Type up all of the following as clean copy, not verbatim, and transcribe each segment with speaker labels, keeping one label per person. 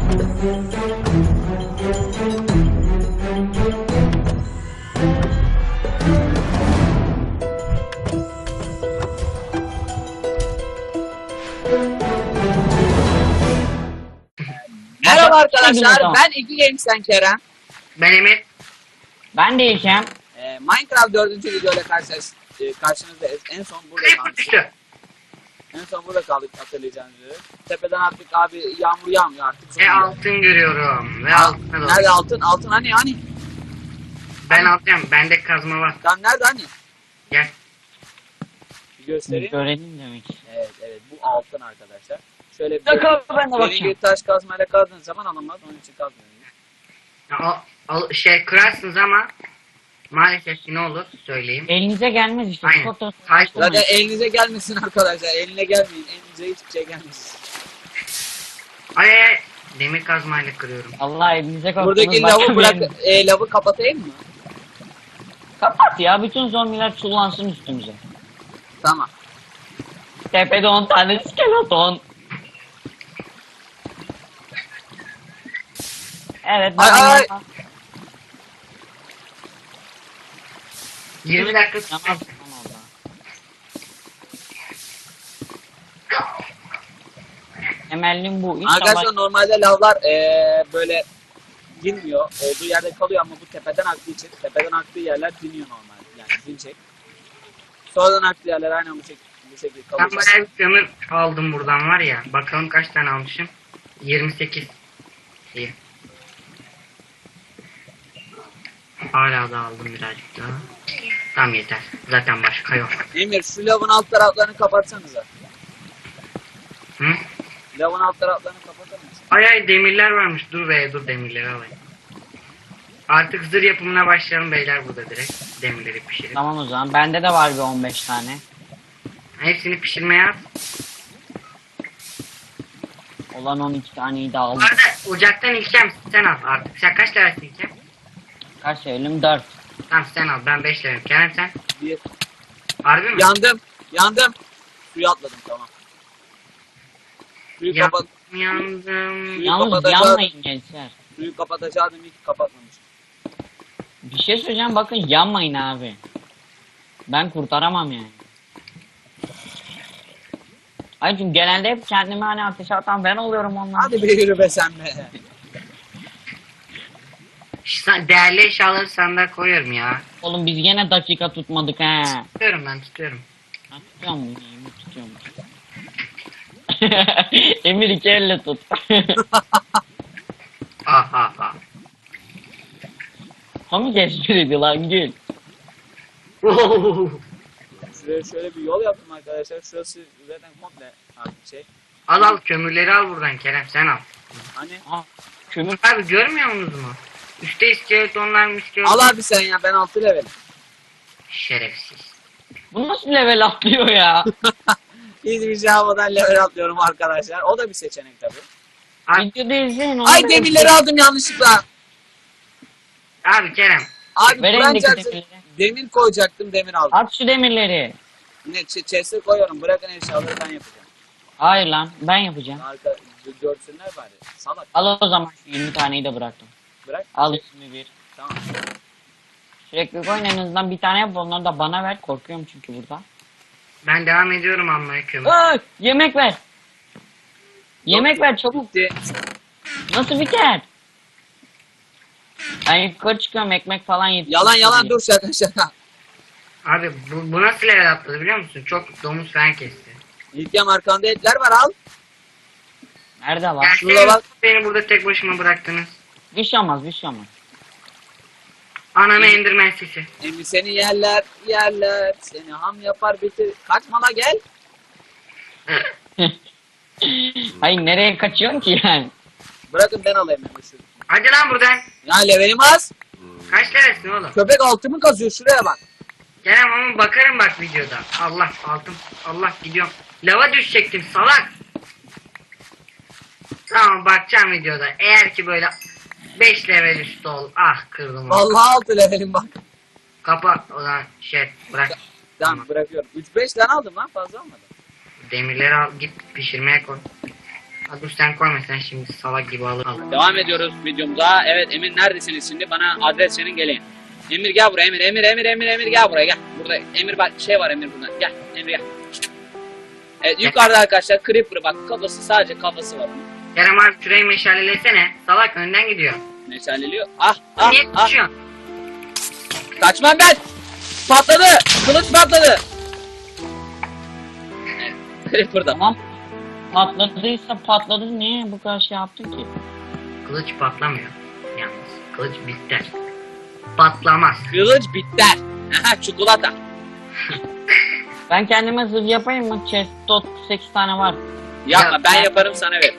Speaker 1: Merhaba arkadaşlar,
Speaker 2: Tamam.
Speaker 1: ben İki Games'ten Kerem.
Speaker 3: Ben Emir.
Speaker 2: Ben değilsem.
Speaker 1: Minecraft 4. videoyla karşınızdayız. En son burada
Speaker 3: Creeper
Speaker 1: kaldık.
Speaker 3: düştü.
Speaker 1: En son burada kaldık hatırlayacağınız üzere. Tepeden attık abi, yağmur yağmıyor artık.
Speaker 3: Ve altın görüyorum. Ve altına doğru.
Speaker 1: Nerede altın? Altın hani?
Speaker 3: Ben alacağım. Bende kazma var.
Speaker 1: Lan nerede hani?
Speaker 3: Gel.
Speaker 1: Bir göstereyim.
Speaker 2: Görelim demek.
Speaker 1: Evet, bu altın arkadaşlar. Şöyle bir
Speaker 2: Dakika ben de
Speaker 1: bir
Speaker 2: bakacağım.
Speaker 1: taş kazmayla kazdığınız zaman alınmaz. Onun için kazmıyorum.
Speaker 3: Ya, kırarsınız ama maalesef ki ne olur söyleyeyim.
Speaker 2: Elinize gelmez işte.
Speaker 3: Aynen.
Speaker 2: Çok da
Speaker 3: Taş-
Speaker 1: Zaten elinize gelmesin arkadaşlar. Eline gelmeyin. Elinize hiçbir şey gelmesin.
Speaker 3: Ay ay. Demir kazmayla kırıyorum.
Speaker 2: Allah elinize korktunuz.
Speaker 1: Buradaki lavı bırak, lavı kapatayım mı?
Speaker 2: Kapat ya. Bütün zombiler çullansın üstümüze.
Speaker 1: Tamam.
Speaker 2: Tepede 10 tane skeleton. Evet.
Speaker 1: Ay.
Speaker 3: 20 dakika
Speaker 2: Namaz
Speaker 3: tutacak.
Speaker 2: kılmam orada. Temellim bu. İnşallah.
Speaker 1: Arkadaşlar normalde lavlar böyle dinmiyor. Olduğu yerde kalıyor ama bu tepeden aktığı için tepeden aktığı yerler diniyor normalde. Yani dinecek. Sonradan aktığı yerler aynen bu şekilde
Speaker 3: Ben
Speaker 1: kalacak.
Speaker 3: bayağı bir kömür aldım buradan var ya. Bakalım kaç tane almışım. 28. İyi. Hala da aldım birazcık daha. Tamam yeter. Zaten başka yok.
Speaker 1: Emir şu lavın alt taraflarını kapatsanıza.
Speaker 3: Hı?
Speaker 1: Lavın alt taraflarını kapatır mısın?
Speaker 3: Ay ay demirler varmış. Dur demirleri alayım. Artık zırh yapımına başlayalım beyler burada direkt. Demirleri pişirip.
Speaker 2: Tamam o zaman. Bende de var bir 15 tane.
Speaker 3: Hepsini pişirmeye at.
Speaker 2: Olan 12 taneyi de
Speaker 3: Bu
Speaker 2: aldım.
Speaker 3: arada ocaktan İlkem sen al artık. Sen kaç lirasın İlkem?
Speaker 2: Kaç söyledim? 4.
Speaker 3: Tamam sen al. Ben 5 lirayım. Kerem sen?
Speaker 1: Bir.
Speaker 3: Harbi mi?
Speaker 1: Yandım. Suya atladım tamam. Suyu kapat.
Speaker 3: Yandım.
Speaker 2: Yalnız
Speaker 1: kapatacağız.
Speaker 2: yanmayın gençler.
Speaker 1: Suyu kapatacaktım ilk kapatmamışım.
Speaker 2: Bir şey söyleyeceğim bakın yanmayın abi. Ben kurtaramam yani. Ay çünkü genelde hep kendime hani ateşe atan ben oluyorum onlar.
Speaker 1: Hadi bir yürü be sen be.
Speaker 3: Değerli eşyaları sandığa koyuyorum ya.
Speaker 2: Oğlum biz gene dakika tutmadık he.
Speaker 3: Tutuyorum ben tutuyorum.
Speaker 2: Ha, tutuyor mu? Emir tutuyor mu? Emir iki elle tut.
Speaker 3: Ha.
Speaker 2: Komik espriydi lan gül.
Speaker 1: Şuraya şöyle bir yol yaptım arkadaşlar. Şurası zaten komple artık şey.
Speaker 3: Al kömürleri al buradan Kerem sen al.
Speaker 1: Hani
Speaker 2: Aa, kömür.
Speaker 3: Abi görmüyor musunuz mu? Üstte iskeletonlar mı
Speaker 1: al abi sen ya ben 6 levelim.
Speaker 3: Şerefsiz.
Speaker 2: Bu nasıl level atlıyor ya?
Speaker 1: Hiçbir şey almadan level atlıyorum arkadaşlar. O da bir seçenek tabii.
Speaker 3: Abi,
Speaker 2: Videoda izleyin.
Speaker 1: Ay demirleri aldım yanlışlıkla.
Speaker 3: abi Kerem.
Speaker 1: Abi
Speaker 2: Ver
Speaker 1: Kur'an
Speaker 2: elindeki
Speaker 1: çarpsın.
Speaker 2: demirleri.
Speaker 1: Demir koyacaktım demir aldım.
Speaker 2: At şu demirleri.
Speaker 1: Ne chest'e koyuyorum. Bırakın eşyaları ben yapacağım.
Speaker 2: Hayır lan ben yapacağım.
Speaker 1: Arka görsünler bari. Salak.
Speaker 2: Al o zaman şu 20 taneyi de bıraktım.
Speaker 1: Bırak.
Speaker 2: Al 21.
Speaker 1: Tamam.
Speaker 2: Sürekli koyun en azından bir tane yap onları da bana ver. Korkuyorum çünkü burada.
Speaker 3: Ben devam ediyorum almaya kömür.
Speaker 2: Ay, yemek ver. Yemek ver çabuk.
Speaker 1: Bitti.
Speaker 2: Nasıl biter? Ben yukarı çıkıyorum ekmek falan yetiştiriyorum.
Speaker 1: Yalan dur şaka.
Speaker 3: Abi bu nasıl level atladı biliyor musun? Çok domuz falan kesti.
Speaker 1: İlkem arkanda etler var al.
Speaker 2: Nerede var?
Speaker 1: şurada bak.
Speaker 3: Beni burada tek başıma bıraktınız.
Speaker 2: Bir şey olmaz bir şey olmaz.
Speaker 3: Ananı endirmen sesi.
Speaker 1: Emmi seni yerler. Seni ham yapar bitir. Kaçma la gel.
Speaker 2: Hayır nereye kaçıyorsun ki yani?
Speaker 1: Bırakın ben alayım Emmi şunu.
Speaker 3: Hadi lan buradan.
Speaker 1: Ya levelim az.
Speaker 3: Kaç lirasın oğlum?
Speaker 1: Köpek altımı kazıyor şuraya bak.
Speaker 3: Kerem ama bakarım bak videoda. Allah altın. Allah gidiyorum. Lava düşecektim salak. Tamam bakacağım videoda. Eğer ki böyle 5 level üstü ol. Ah kırdım onu.
Speaker 1: Vallahi 6 levelim bak.
Speaker 3: Kapa o zaman bırak.
Speaker 1: Tamam bırakıyorum. 3-5 tane aldım lan fazla almadım.
Speaker 3: Demirleri al git pişirmeye koy. Ha, dur sen koyma, sen şimdi salak gibi al.
Speaker 1: Devam ediyoruz videomuza. Evet Emir neredesiniz şimdi? Bana adres verin geleyim. Emir gel buraya Emir gel buraya gel. Burada Emir bak şey var Emir burada. Gel Emir gel. Evet yukarıda arkadaşlar Creeper bak kafası sadece kafası var.
Speaker 3: Kerem abi şurayı meşalelesene. Salak önden gidiyor.
Speaker 1: Meşaleliyor. Ah
Speaker 3: Niye kaçıyorsun?
Speaker 1: Kaçmam ben. Patladı. Kılıç patladı. Evet, Creeper'da.
Speaker 2: Tamam. Patladıysa patladı, niye bu kadar şey yaptın ki?
Speaker 3: Kılıç patlamıyor. Yalnız kılıç biter. Patlamaz.
Speaker 1: Kılıç biter. Aha çikolata.
Speaker 2: Ben kendime zırh yapayım mı? Chest dot 8 tane var.
Speaker 1: Yapma
Speaker 3: Ya,
Speaker 1: ben yaparım sana ver.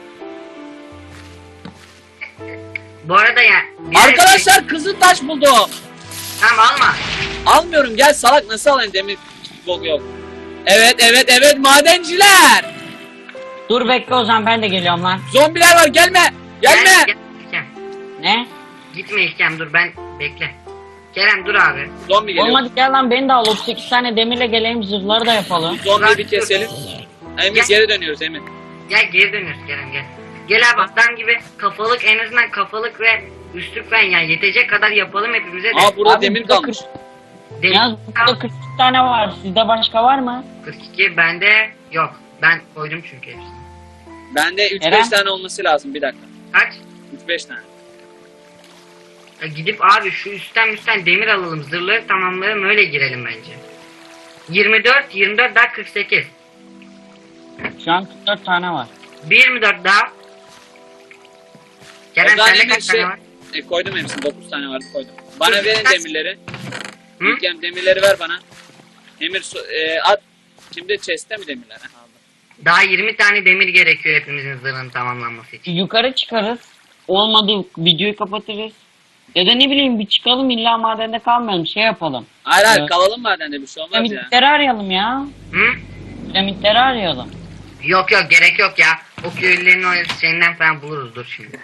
Speaker 3: Bu arada ya.
Speaker 1: Arkadaşlar kızıl taş buldum.
Speaker 3: Tamam alma.
Speaker 1: Almıyorum gel salak nasıl alayım demir bok yok. Evet madenciler.
Speaker 2: Dur bekle o zaman, ben de geliyorum lan.
Speaker 1: Zombiler var gelme. Gelme.
Speaker 3: Gel, İlkem.
Speaker 2: Ne?
Speaker 3: Gitme İlkem, dur ben bekle. Kerem dur abi.
Speaker 1: Zombi geliyor.
Speaker 2: Olmadı, gel lan beni de al. 38 tane demirle geleyim, zırhları da yapalım.
Speaker 1: Zombiyi bir keselim. Emir geri dönüyoruz Emir.
Speaker 3: Gel geri dönüyoruz Kerem gel. Gel abi adam gibi kafalık, en azından kafalık ve üstlük ben ya yetecek kadar yapalım hepimize de.
Speaker 1: Aa burada
Speaker 2: Abi,
Speaker 1: demir
Speaker 2: burada
Speaker 1: kalmış.
Speaker 3: Demir-
Speaker 2: Yalnız burada 42 tane var. Sizde başka var mı?
Speaker 3: 42 bende yok. Ben koydum çünkü hepsini.
Speaker 1: Bende 3-5
Speaker 2: Eren?
Speaker 1: tane olması lazım bir dakika.
Speaker 3: Kaç?
Speaker 1: 3-5 tane.
Speaker 3: Gidip abi şu üstten demir alalım, zırhları tamamlayalım, öyle girelim bence. 24 daha 48.
Speaker 2: Şu an 44 tane var.
Speaker 3: 24 daha. Kerem
Speaker 1: O zaman
Speaker 3: sende
Speaker 1: Emir
Speaker 3: kaç tane var?
Speaker 1: koydum hepsini 9 tane vardı koydum. Bana
Speaker 3: Dur,
Speaker 1: verin
Speaker 3: kaç?
Speaker 1: demirleri.
Speaker 3: Hı?
Speaker 1: İlkem demirleri ver bana. Emir at. Kimde chest'te mi demirler? Ha, aldım.
Speaker 3: Daha 20 tane demir gerekiyor hepimizin zırhının tamamlanması için.
Speaker 2: Yukarı çıkarız. Olmadı videoyu kapatırız. Ya da ne bileyim bir çıkalım, illa madende kalmayalım, şey yapalım.
Speaker 1: Hayır
Speaker 2: Evet.
Speaker 1: kalalım madende bir şey olmaz ya.
Speaker 2: Piramitleri arayalım ya.
Speaker 3: Hı?
Speaker 2: Piramitleri arayalım.
Speaker 3: Yok gerek yok ya. O köylülerin o şeyinden falan buluruz, dur şimdi.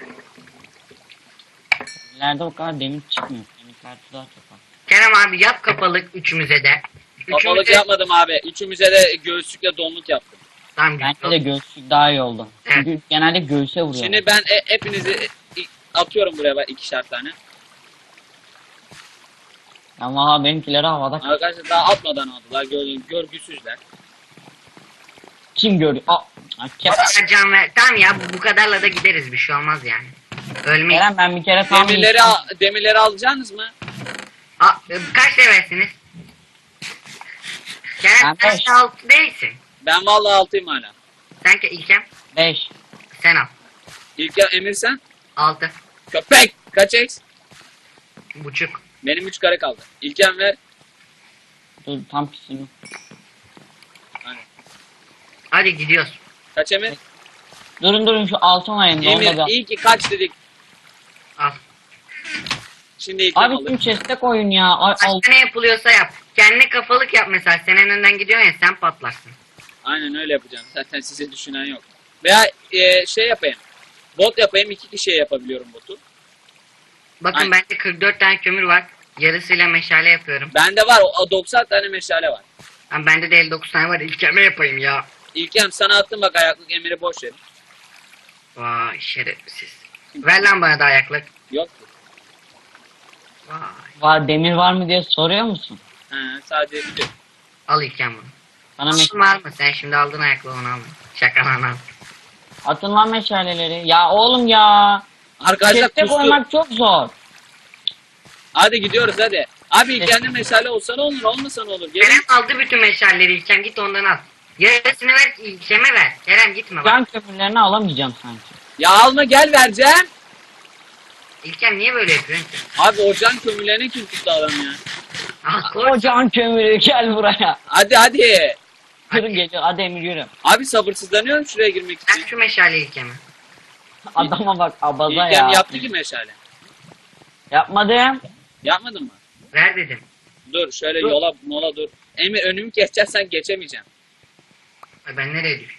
Speaker 2: İleride o kadar demir çıkmıyor. Demir kartı daha çok var.
Speaker 3: Kerem abi yap kapalık üçümüze de.
Speaker 1: Kapalık yapmadım abi. Üçümüze de göğüslükle donluk yaptım.
Speaker 3: Tamam,
Speaker 2: Bence de göğüslük daha iyi oldu.
Speaker 3: Evet.
Speaker 2: Çünkü genelde göğüse vuruyor.
Speaker 1: Şimdi ben hepinizi atıyorum buraya bak 2'şer tane.
Speaker 2: Ama benimkileri havada.
Speaker 1: Arkadaşlar daha atmadan aldılar. Görgüsüzler.
Speaker 2: Kim görüyor?
Speaker 3: Can ver. Tamam ya, bu kadarla da gideriz, bir şey olmaz yani. Ölmeyiz.
Speaker 2: Kerem, ben bir kere tam
Speaker 1: Demirleri alacaksınız mı?
Speaker 3: Kaç levelsiniz? Kerem
Speaker 2: Ben
Speaker 3: sen
Speaker 2: beş.
Speaker 3: 6 değilsin.
Speaker 1: Ben vallahi 6'yım hala.
Speaker 3: Sen İlkem
Speaker 2: 5.
Speaker 3: sen al.
Speaker 1: Emir sen?
Speaker 3: 6
Speaker 1: Köpek! Kaç X?
Speaker 3: buçuk.
Speaker 1: Benim 3 kare kaldı. İlkem ver.
Speaker 2: Dur tam pisini.
Speaker 1: Hani.
Speaker 3: Hadi gidiyoruz.
Speaker 1: Kaç Emir?
Speaker 2: Durun şu altın ayında onda
Speaker 1: Emir
Speaker 2: da.
Speaker 1: iyi ki kaç dedik.
Speaker 3: Al.
Speaker 1: Şimdi İlkem
Speaker 2: Abi
Speaker 1: alır.
Speaker 2: tüm chest'e koyun ya. Ay, al.
Speaker 3: Başka ne yapılıyorsa yap. Kendine kafalık yap mesela. Sen en önden gidiyorsun ya, sen patlarsın.
Speaker 1: Aynen öyle yapacağım. Zaten size düşünen yok. Veya şey yapayım. Bot yapayım. 2 kişiye yapabiliyorum botu.
Speaker 3: Bakın
Speaker 1: Aynen.
Speaker 3: bende 44 tane kömür var. Yarısıyla meşale yapıyorum.
Speaker 1: Bende var. O 90 tane meşale var.
Speaker 3: Ama bende de 59 tane var. İlkeme yapayım ya.
Speaker 1: İlkem sana attım bak ayaklık Emir'i boş verin.
Speaker 3: Vay şerefsiz. Ver lan bana da ayaklık.
Speaker 1: Yok.
Speaker 3: Vay.
Speaker 2: Var, demir var mı diye soruyor musun?
Speaker 1: He, sadece bir.
Speaker 3: Al İlkem bunu.
Speaker 2: Bana
Speaker 3: Atın var mı? Sen şimdi aldın ayaklığı, onu alma. Şaka lan al.
Speaker 2: atın lan meşaleleri. Ya oğlum ya.
Speaker 1: Arkadaşlar
Speaker 2: Chest'e
Speaker 1: kustu.
Speaker 2: koymak çok zor.
Speaker 1: Hadi gidiyoruz hadi. Abi kendi meşale olsa ne olur olmasa ne olur. Gelin.
Speaker 3: Kerem aldı bütün meşalleri İlkem, git ondan al. Yarısını ver İlkem'e ver. Kerem gitme bak.
Speaker 2: Can kömürlerini alamayacağım sanki.
Speaker 1: Ya alma gel vereceğim.
Speaker 3: İlkem niye böyle yapıyorsun ki?
Speaker 1: Abi ocağın kömürlerine kim tuttu adam ya.
Speaker 3: Al koy.
Speaker 2: O can kömürü gel buraya.
Speaker 1: Hadi.
Speaker 2: Kırın geliyor, hadi Emir yürü.
Speaker 1: Abi sabırsızlanıyorum şuraya girmek için.
Speaker 3: Ver şu meşaleyi İlkem'e.
Speaker 2: Adama bak, abaza
Speaker 1: İlkem
Speaker 2: ya.
Speaker 1: yaptı ki meşale.
Speaker 2: Yapmadım.
Speaker 1: Yapmadın mı?
Speaker 3: Ver dedim.
Speaker 1: Dur şöyle
Speaker 2: Dur.
Speaker 1: mola dur. Emir önümü keseceksen geçemeyeceğim.
Speaker 3: Ay, ben nereye düşüyorum?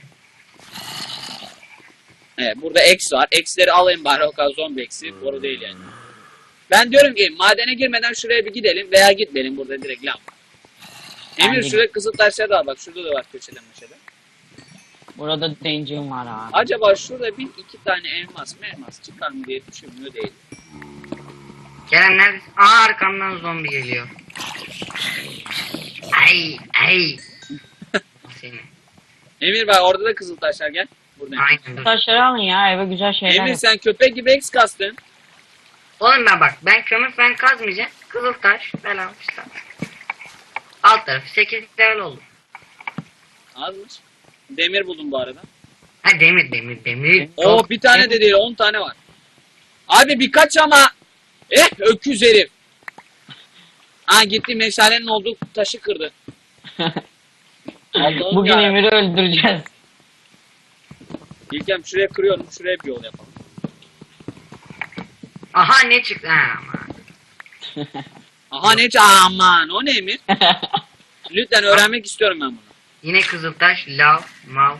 Speaker 1: Evet burada X var. X'leri alayım bari o kadar zombi X'i. Doğru değil yani. Ben diyorum ki madene girmeden şuraya bir gidelim veya gitmeyelim burada direkt lav. Emir
Speaker 2: Bence-
Speaker 1: şuraya kızıl taşları da al bak şurada da var köşeden meşede.
Speaker 2: Burada danger var abi.
Speaker 1: Acaba şurada bir iki tane elmas çıkar mı diye düşünmüyor değil.
Speaker 3: Kerem neredesin? Aa, arkamdan zombi geliyor. Ay. Seni.
Speaker 1: Emir bak orada da kızıl taşlar gel. Buradan.
Speaker 3: Aynen dur.
Speaker 2: Taşları alın ya, eve güzel şeyler
Speaker 1: Emir
Speaker 2: yap.
Speaker 1: sen köpek gibi X kastın.
Speaker 3: Oğlum ben kömür falan kazmayacağım. Kızıltaş falan işte. Alt tarafı 8 level oldu.
Speaker 1: Azmış. Demir buldum bu arada.
Speaker 3: Ha demir.
Speaker 1: Oo bir tane de değil 10 tane var. Abi birkaç ama. Öküz herif. Ha gitti meşalenin olduğu taşı kırdı. Allah'ım
Speaker 2: Bugün
Speaker 1: ya.
Speaker 2: Emir'i öldüreceğiz.
Speaker 1: İlkem şuraya kırıyorum şuraya bir yol yapalım.
Speaker 3: Aha ne çıktı? Ha, aman.
Speaker 1: Aha ne aman o ne Emir? Lütfen öğrenmek istiyorum ben bunu.
Speaker 3: Yine kızıltaş, lav, mal.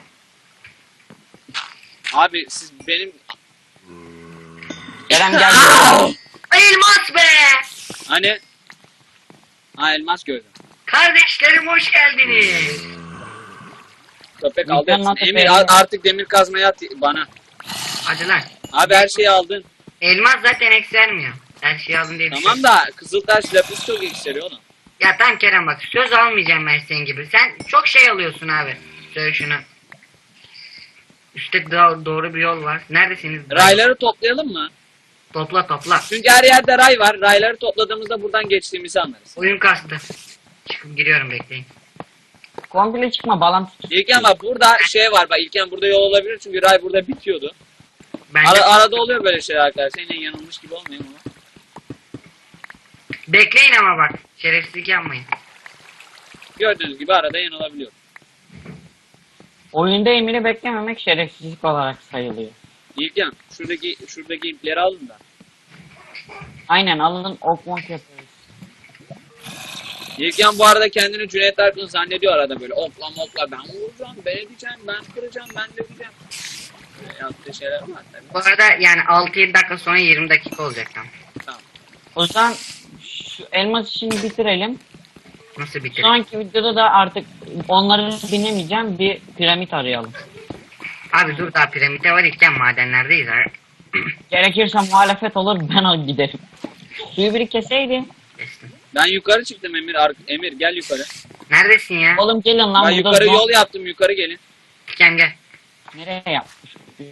Speaker 1: Abi siz benim...
Speaker 2: Kerem gel.
Speaker 3: Elmas be!
Speaker 1: Hani... Ha elmas gördüm.
Speaker 3: Kardeşlerim hoş geldiniz.
Speaker 1: Köpek
Speaker 2: İlkem
Speaker 1: aldı hepsini.
Speaker 2: nasıl
Speaker 1: Emir
Speaker 2: beğendin?
Speaker 1: artık demir kazmaya at bana.
Speaker 3: Hadi lan.
Speaker 1: Abi her şeyi aldın.
Speaker 3: Elmas zaten eksi vermiyor. Her şeyi alın diye bir şey
Speaker 1: Tamam
Speaker 3: yok.
Speaker 1: da Kızıltaş lapis çok yükseliyor oğlum.
Speaker 3: Ya tamam Kerem bak söz almayacağım ben senin gibi. Sen çok şey alıyorsun abi. Söyle şunu. Üstte doğru bir yol var. Neredesiniz?
Speaker 1: Rayları toplayalım mı?
Speaker 3: Topla.
Speaker 1: Çünkü her yerde ray var. Rayları topladığımızda buradan geçtiğimizi anlarız.
Speaker 3: Oyun kastı. Çıkıp giriyorum bekleyin.
Speaker 2: Komple çıkma, bağlantı tut.
Speaker 1: İlken bak burada şey var bak İlken burada yol olabilir çünkü ray burada bitiyordu.
Speaker 3: Bence
Speaker 1: Arada oluyor böyle şeyler arkadaşlar. Yine yanılmış gibi olmayayım ama.
Speaker 3: bekleyin ama bak. Şerefsizlik yapmayın.
Speaker 1: Gördüğünüz gibi arada yanılabiliyor.
Speaker 2: Oyunda Emir'i beklememek şerefsizlik olarak sayılıyor.
Speaker 1: İlken şuradaki ipleri alın da.
Speaker 2: Aynen, alın okmok yapıyoruz.
Speaker 1: İlken bu arada kendini Cüneyt Arkın zannediyor arada böyle okla mokla ben vuracağım, ben edeceğim, ben kıracağım, ben döveceğim. Böyle yaptığı şeyler var tabii.
Speaker 3: Bu arada yani 6-7 dakika sonra 20 dakika olacak tam.
Speaker 1: Tamam.
Speaker 2: O zaman şu elmas işini bitirelim.
Speaker 3: Nasıl bitirir?
Speaker 2: Sonraki videoda da artık onları binemeyeceğim, bir piramit arayalım.
Speaker 3: Abi dur daha piramide var iken madenlerdeyiz abi.
Speaker 2: Gerekirse muhalefet olur, ben al giderim. Suyu biri keseydi.
Speaker 3: Kestim.
Speaker 1: Ben yukarı çıktım Emir. Emir gel yukarı.
Speaker 3: Neredesin ya?
Speaker 2: Oğlum gelin lan,
Speaker 1: Ben
Speaker 2: burada
Speaker 1: yukarı
Speaker 2: zor-
Speaker 1: yol yaptım yukarı gelin.
Speaker 3: İken gel.
Speaker 2: Nereye yapmış?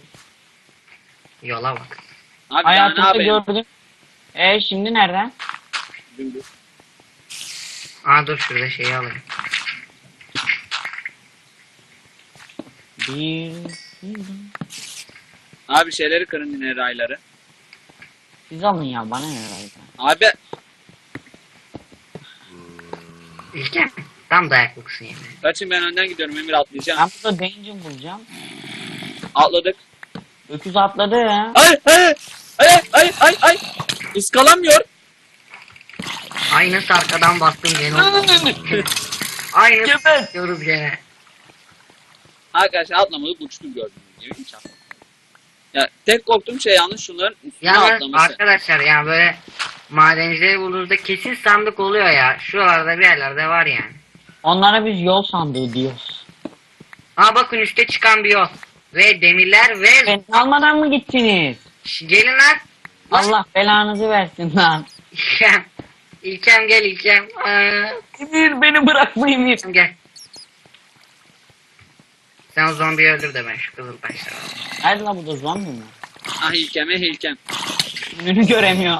Speaker 3: Yola bak.
Speaker 1: Abi daha ne
Speaker 2: Hayatımda
Speaker 1: yapayım?
Speaker 2: gördüm. Şimdi nereden?
Speaker 1: Dümdüz.
Speaker 3: Aa dur şurada şeyi alayım.
Speaker 2: Bir...
Speaker 1: Abi şeyleri kırın yine rayları.
Speaker 2: Siz alın ya, bana ne herhalde.
Speaker 1: Abi
Speaker 3: İlken tam dayaklısın yani.
Speaker 1: kaçın ben önden gidiyorum Emir atlayacağım.
Speaker 2: Ben burada danger bulacağım.
Speaker 1: Atladık.
Speaker 2: Öküz atladı ya.
Speaker 1: Ay. Iskalamıyor.
Speaker 3: Ay nasıl arkadan bastım gene. Aynı
Speaker 2: Geber.
Speaker 3: diyoruz gene.
Speaker 1: Arkadaşlar atlamadık uçtum gördüğünüz gibi. Hiç atlamadım. Ya tek korktuğum şey yalnız şunların üstüne
Speaker 3: Yalnız
Speaker 1: atlaması.
Speaker 3: arkadaşlar yani böyle madencileri bulduğunuzda kesin sandık oluyor ya. Şuralarda bir yerlerde var yani.
Speaker 2: Onlara biz yol sandığı diyoruz.
Speaker 3: Aa bakın üstte çıkan bir yol. Ve demirler ve...
Speaker 2: Beni almadan mı gittiniz?
Speaker 3: Gelin lan.
Speaker 2: Allah belanızı versin lan.
Speaker 3: İlkem. İlkem gel İlkem.
Speaker 2: Emir, beni bırakma Emir.
Speaker 3: Gel. Sen o zombiyi öldür de ben şu kızıl taşları alayım.
Speaker 2: Nerede lan, burada zombi mi?
Speaker 1: Ah İlkem.
Speaker 2: Önünü göremiyor.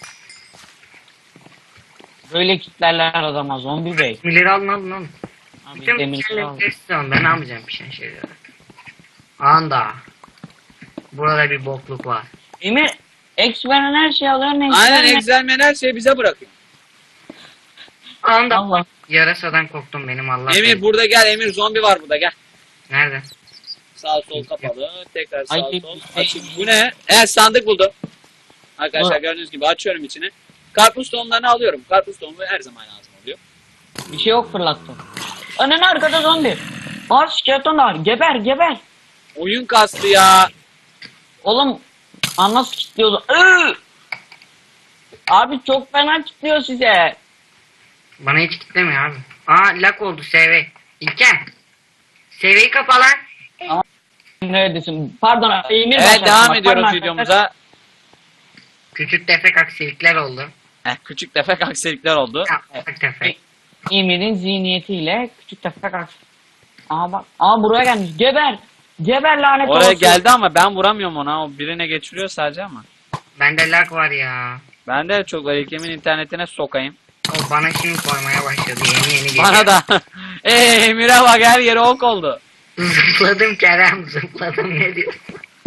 Speaker 2: Böyle kitlerler adama, zombi bey.
Speaker 3: Demirleri alın.
Speaker 2: Abi
Speaker 3: Bütün
Speaker 2: demirleri al.
Speaker 3: demirleri istiyorum. Ben almayacağım bir şeyleri. Anda. Burada bir bokluk var.
Speaker 2: Emir, X veren her şeyi alıyor, ne
Speaker 1: Aynen
Speaker 2: veren-
Speaker 1: egzelmen her şeyi bize bırakıyor.
Speaker 3: Anda.
Speaker 2: Allah.
Speaker 3: Yarasadan korktum benim Allah.
Speaker 1: Emir
Speaker 3: benim.
Speaker 1: burada gel Emir zombi var burada gel.
Speaker 3: Nerede?
Speaker 1: Sağ sol kapalı. Tekrar sağ
Speaker 2: Ay,
Speaker 1: sol.
Speaker 2: ay.
Speaker 1: Açık. Bu ne? Evet sandık buldum. Arkadaşlar
Speaker 2: Bu.
Speaker 1: gördüğünüz gibi açıyorum içini. Karpuz tohumlarını alıyorum. Karpuz tohumu her zaman lazım oluyor.
Speaker 2: Bir şey yok, fırlattım. Önüne arkada zombi. Var, skeleton var. Geber.
Speaker 1: Oyun kastı ya.
Speaker 2: Oğlum, nasıl kilitliyordu? Abi çok fena kilitliyor size.
Speaker 3: Bana hiç kitlemiyor abi. Aa lak oldu SV. İlkem. SV'yi kapa lan.
Speaker 2: Neredesin? Pardon Emir
Speaker 1: Evet
Speaker 2: başlattı.
Speaker 1: devam
Speaker 2: Bak,
Speaker 1: ediyoruz
Speaker 2: pardon
Speaker 1: videomuza.
Speaker 3: Küçük tefek aksilikler oldu.
Speaker 1: Küçük tefek aksilikler oldu.
Speaker 3: Ufak tefek.
Speaker 2: Emir'in zihniyetiyle küçük tefek aksi. Aa bak. Aa buraya gelmiş. Geber. Geber lanet
Speaker 1: Oraya
Speaker 2: olsun.
Speaker 1: geldi ama ben vuramıyorum ona. O birine geçiriyor sadece ama.
Speaker 3: Bende lag var ya.
Speaker 1: Ben de çok var. İlkem'in internetine sokayım.
Speaker 3: O bana şimdi koymaya başladı. Yeni geliyor.
Speaker 1: Bana da. Emir'e bak her yeri ok oldu.
Speaker 3: Zıpladım Kerem zıpladım ne diyorsun?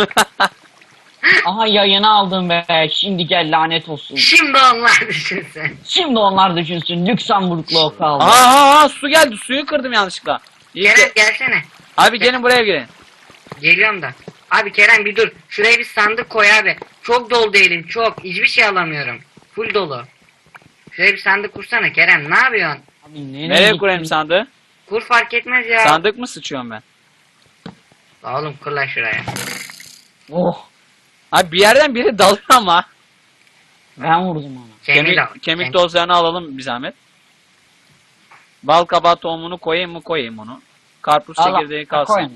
Speaker 2: Aha yayını aldım be. Şimdi gel lanet olsun.
Speaker 3: Şimdi onlar düşünsün.
Speaker 2: Şimdi onlar düşünsün. Lüksemburglu o kaldı.
Speaker 1: Aa, su geldi. Suyu kırdım yanlışlıkla. İyi
Speaker 3: Kerem
Speaker 1: ki-
Speaker 3: gelsene.
Speaker 1: Abi gelin buraya girin.
Speaker 3: Geliyorum da. Abi Kerem bir dur. Şuraya bir sandık koy abi. Çok dolu elim çok. Hiçbir şey alamıyorum. Full dolu. Şuraya bir sandık kursana Kerem. Ne yapıyorsun?
Speaker 2: Abi, nereye
Speaker 1: Nereye
Speaker 2: gittin?
Speaker 1: kurayım sandığı?
Speaker 3: Kur fark etmez ya.
Speaker 1: Sandık mı sıçıyorum ben?
Speaker 3: La oğlum kur lan şuraya.
Speaker 2: Oh.
Speaker 1: Abi bir yerden biri dalıyor ama.
Speaker 2: Ben vurdum ona.
Speaker 3: Kemiği de al.
Speaker 1: Kemik tozlarını alalım bir zahmet. Bal kabağı tohumunu koyayım mı koyayım onu. Karpuz
Speaker 2: Allah,
Speaker 1: çekirdeği kalsın.
Speaker 2: koyun.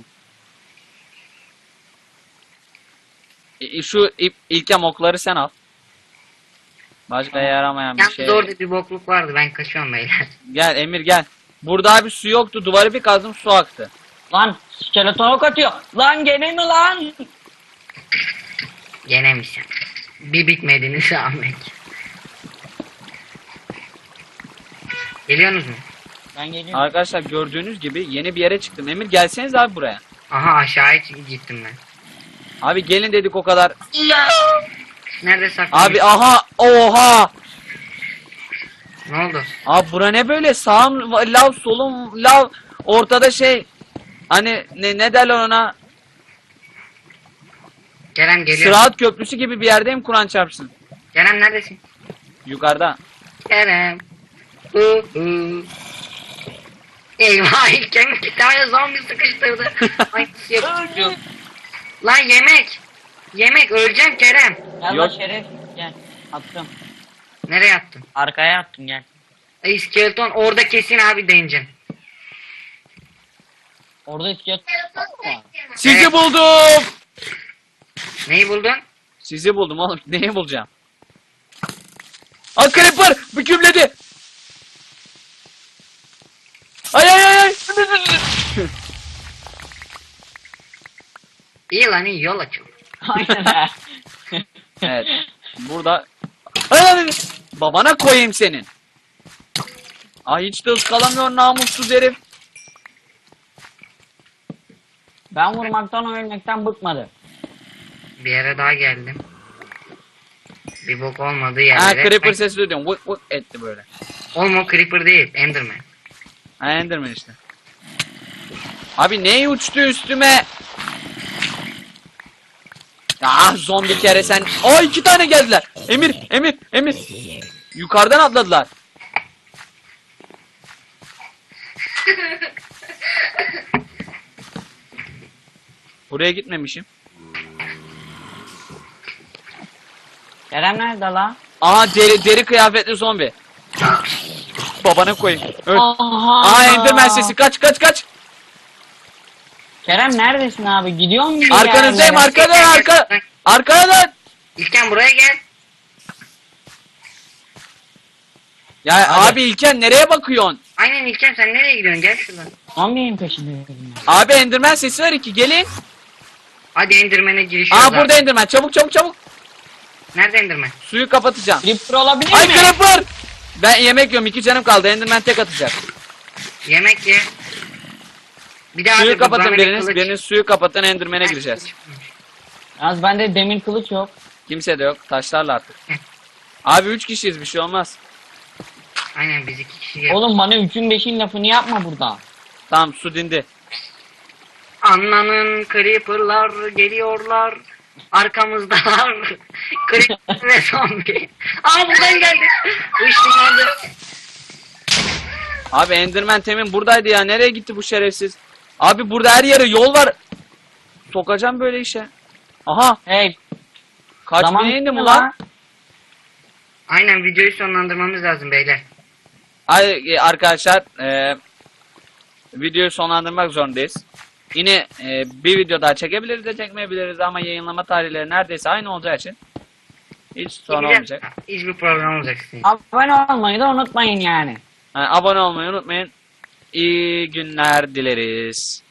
Speaker 1: Şu ilkem okları sen al. Başka yaramayan bir
Speaker 3: Yalnız
Speaker 1: şey.
Speaker 3: orada bir bokluk vardı. Ben kaçıyorum beyler.
Speaker 1: Gel Emir gel. Burada abi su yoktu. Duvarı bir kazdım su aktı.
Speaker 2: Lan skeleton ok atıyor. Lan gene mi lan?
Speaker 3: Yenemişsin. Bir bitmediniz Ahmet. Geliyorsunuz mu?
Speaker 2: Ben geliyorum.
Speaker 1: Arkadaşlar gördüğünüz gibi yeni bir yere çıktım. Emir gelseniz abi buraya.
Speaker 3: Aha aşağıya gittim ben.
Speaker 1: Abi gelin dedik o kadar.
Speaker 3: Nerede saklanmış?
Speaker 1: Abi aha oha.
Speaker 3: Ne oldu?
Speaker 1: Abi bura ne böyle sağım lav solum lav ortada şey. Hani ne derler ona?
Speaker 3: Kerem geliyor.
Speaker 1: Sıraat köprüsü gibi bir yerdeyim Kur'an çarpsın.
Speaker 3: Kerem neredesin?
Speaker 1: Yukarıda.
Speaker 3: Kerem. Eyvah ilken iki tane zombi sıkıştırdı. Ay nasıl yapıyor? Lan yemek. Yemek öleceğim Kerem.
Speaker 2: Gel
Speaker 1: Yok.
Speaker 2: lan Şeref. Gel. Attım.
Speaker 3: Nereye attın?
Speaker 2: Arkaya attım gel.
Speaker 3: Ay skeleton orada kesin abi deneyeceğim.
Speaker 2: Orada iskelet var.
Speaker 1: Sizi
Speaker 3: Evet.
Speaker 1: buldum.
Speaker 3: Neyi buldun?
Speaker 1: Sizi buldum oğlum. Neyi bulacağım? Aa creeper bükümledi. Ay ay ay ay.
Speaker 3: İyi lan iyi yol açıldı.
Speaker 2: Aynen ha.
Speaker 1: Evet. Burada. Ay, ay, ay. Babana koyayım senin. Ay hiç de ıskalamıyor namussuz herif.
Speaker 2: Ben vurmaktan ölmekten bıkmadı.
Speaker 3: Bir yere daha geldim. Bir bok olmadığı
Speaker 1: Ha
Speaker 3: yerlere.
Speaker 1: creeper sesi duyuyorum. Vık vık etti böyle.
Speaker 3: Oğlum o creeper değil Enderman.
Speaker 1: Ha Enderman işte. Abi ne uçtu üstüme? Ah zombi kere sen. Aa 2 tane geldiler. Emir. Yukarıdan atladılar. Buraya gitmemişim.
Speaker 2: Kerem nerede la?
Speaker 1: Aha deri kıyafetli zombi. Babana koyayım. Öl.
Speaker 2: Aha.
Speaker 1: Aa Enderman sesi kaç.
Speaker 2: Kerem neredesin abi? Gidiyor musun? bir
Speaker 1: Arkanızdayım
Speaker 2: yerlere?
Speaker 1: arkadan.
Speaker 3: İlken buraya gel.
Speaker 1: Ya
Speaker 2: Hadi.
Speaker 1: abi İlken nereye bakıyorsun?
Speaker 3: Aynen İlken sen nereye gidiyorsun gel şuradan.
Speaker 2: Zombinin peşindeyim ben.
Speaker 1: Abi Enderman sesi var iki gelin.
Speaker 3: Hadi Enderman'e girişiyoruz
Speaker 1: Aa
Speaker 3: abi.
Speaker 1: burada Enderman çabuk.
Speaker 3: Nerede Enderman?
Speaker 1: Suyu kapatacağım.
Speaker 2: Creeper olabilir
Speaker 1: Ay
Speaker 2: mi?
Speaker 1: creeper. Ben yemek yiyorum 2 canım kaldı Enderman tek atacak.
Speaker 3: Yemek ye. Bir daha
Speaker 1: Suyu
Speaker 3: abi,
Speaker 1: kapatın
Speaker 3: bana bir
Speaker 1: biriniz.
Speaker 3: kılıç.
Speaker 1: Biriniz suyu kapatın Enderman'e
Speaker 3: Ha,
Speaker 1: gireceğiz.
Speaker 3: kılıç.
Speaker 2: Yalnız bende demir kılıç yok.
Speaker 1: Kimse de yok. Taşlarla artık. Abi 3 kişiyiz bir şey olmaz.
Speaker 3: Aynen biz 2 kişi gel.
Speaker 2: Oğlum bana 3'ün 5'in lafını yapma burada.
Speaker 1: Tamam su dindi.
Speaker 3: Anna'nın creeper'lar geliyorlar. Arkamızdalar. Creeper ve zombi. Aa buradan geldi. Işınlandı.
Speaker 1: Abi Enderman temin buradaydı ya. Nereye gitti bu şerefsiz? Abi burada her yere yol var. Sokacağım böyle işe. Aha.
Speaker 2: Hey.
Speaker 1: Kaç
Speaker 2: zaman
Speaker 1: bine indi
Speaker 2: bitti
Speaker 1: bu lan?
Speaker 3: Aynen videoyu sonlandırmamız lazım beyler.
Speaker 1: Ay arkadaşlar videoyu sonlandırmak zorundayız. Yine bir video daha çekebiliriz de çekmeyebiliriz ama yayınlama tarihleri neredeyse aynı olacağı için hiç sorun olmayacak.
Speaker 3: Hiçbir problem olmayacak sizin.
Speaker 2: Abone olmayı da unutmayın yani.
Speaker 1: Abone olmayı unutmayın. İyi günler dileriz.